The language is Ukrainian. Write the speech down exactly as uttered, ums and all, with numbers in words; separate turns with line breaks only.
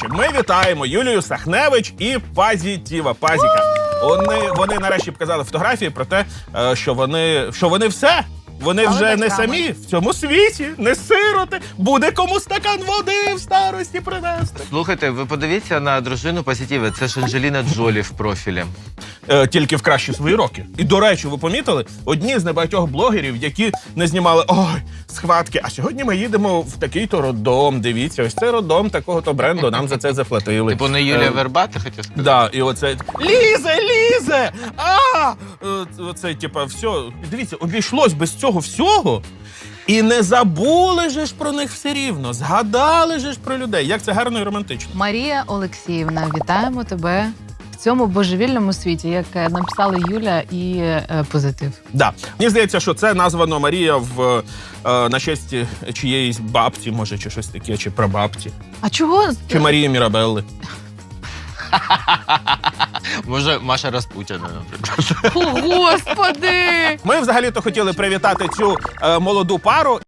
ми вітаємо Юлію Сахневич і Пазітіва, Пазіка. Вони, вони нарешті показали фотографії про те, е, що вони, що вони все. Вони
Але
вже не
батьками.
самі в цьому світі, не сироти. Буде кому стакан води в старості принести.
Слухайте, ви подивіться на дружину Позитіви. Це ж Анджеліна Джолі в профілі.
Е, тільки в кращі свої роки. І, до речі, ви помітили, одні з небагатьох блогерів, які не знімали ой, схватки, а сьогодні ми їдемо в такий-то роддом. Дивіться, ось це роддом такого-то бренду, нам за це заплатили.
Типу не Юлія
Е,
Верба, ти хотів сказати?
Да, і оце лізе, лізе! А! Е, Оце, типа, все. Дивіться, обійшлось без цього всього. І не забули же ж про них все рівно. Згадали же ж про людей. Як це гарно і романтично.
Марія Олексіївна, вітаємо тебе в цьому божевільному світі, як е, написали Юля і е, Позитив.
Да. Мені здається, що це названо Марія в, е, на честь чиєїсь бабці, може, чи щось таке, чи прабабці.
А чого?
Чи Марії Мірабелли.
Може, Маша Распутіна, наприклад.
О, Господи!
Ми взагалі-то хотіли привітати цю е, молоду пару.